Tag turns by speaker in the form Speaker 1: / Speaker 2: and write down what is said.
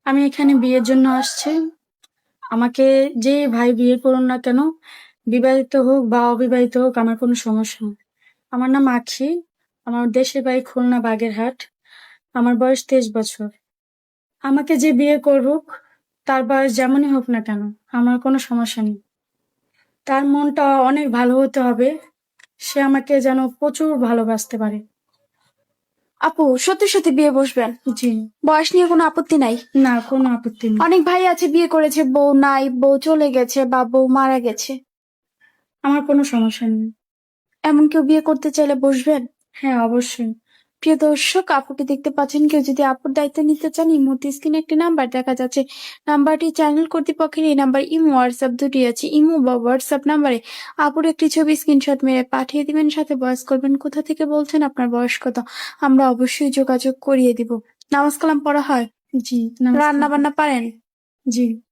Speaker 1: আমি এখানে বিয়ের জন্য আসছি। আমাকে যে ভাই বিয়ে করুন না কেন, বিবাহিত হোক বা অবিবাহিত হোক, আমার কোনো সমস্যা নেই। আমার নাম আখি। আমার দেশের বাড়ি খুলনা বাগেরহাট। আমার বয়স 23 বছর। আমাকে যে বিয়ে করুক, তার বয়স যেমনই হোক না কেন, আমার কোনো সমস্যা নেই। তার মনটা অনেক ভালো হতে হবে। সে আমাকে যেন প্রচুর ভালোবাসতে পারে।
Speaker 2: আপু, সত্যি সত্যি বিয়ে বসবেন?
Speaker 1: জি।
Speaker 2: বয়স নিয়ে কোনো আপত্তি নাই?
Speaker 1: না, কোনো আপত্তি নেই।
Speaker 2: অনেক ভাই আছে বিয়ে করেছে, বউ নাই, বউ চলে গেছে বা বউ মারা গেছে।
Speaker 1: আমার কোনো সমস্যা নেই।
Speaker 2: এমন কেউ বিয়ে করতে চাইলে বসবেন?
Speaker 1: হ্যাঁ, অবশ্যই।
Speaker 2: প্রিয় দর্শক, আপুকে দেখতে পাচ্ছেন। কেউ যদি আপুর দায়িত্ব নিতে চান, ইমোতে স্ক্রিনে একটি নাম্বার দেখা যাচ্ছে। নাম্বারটি চ্যানেল কর্তৃপক্ষের। এই নাম্বার ইমো হোয়াটসঅ্যাপ দুটি আছে। ইমো বা হোয়াটসঅ্যাপ নাম্বারে আপুর একটি ছবি স্ক্রিনশট মেরে পাঠিয়ে দিবেন, সাথে বয়স করবেন, কোথা থেকে বলছেন, আপনার বয়স কত। আমরা অবশ্যই যোগাযোগ করিয়ে দিব। নামাজ কালাম পড়া হয়?
Speaker 1: জি,
Speaker 2: রান্না
Speaker 1: নমস্কার।
Speaker 2: বান্না পারেন?
Speaker 1: জি।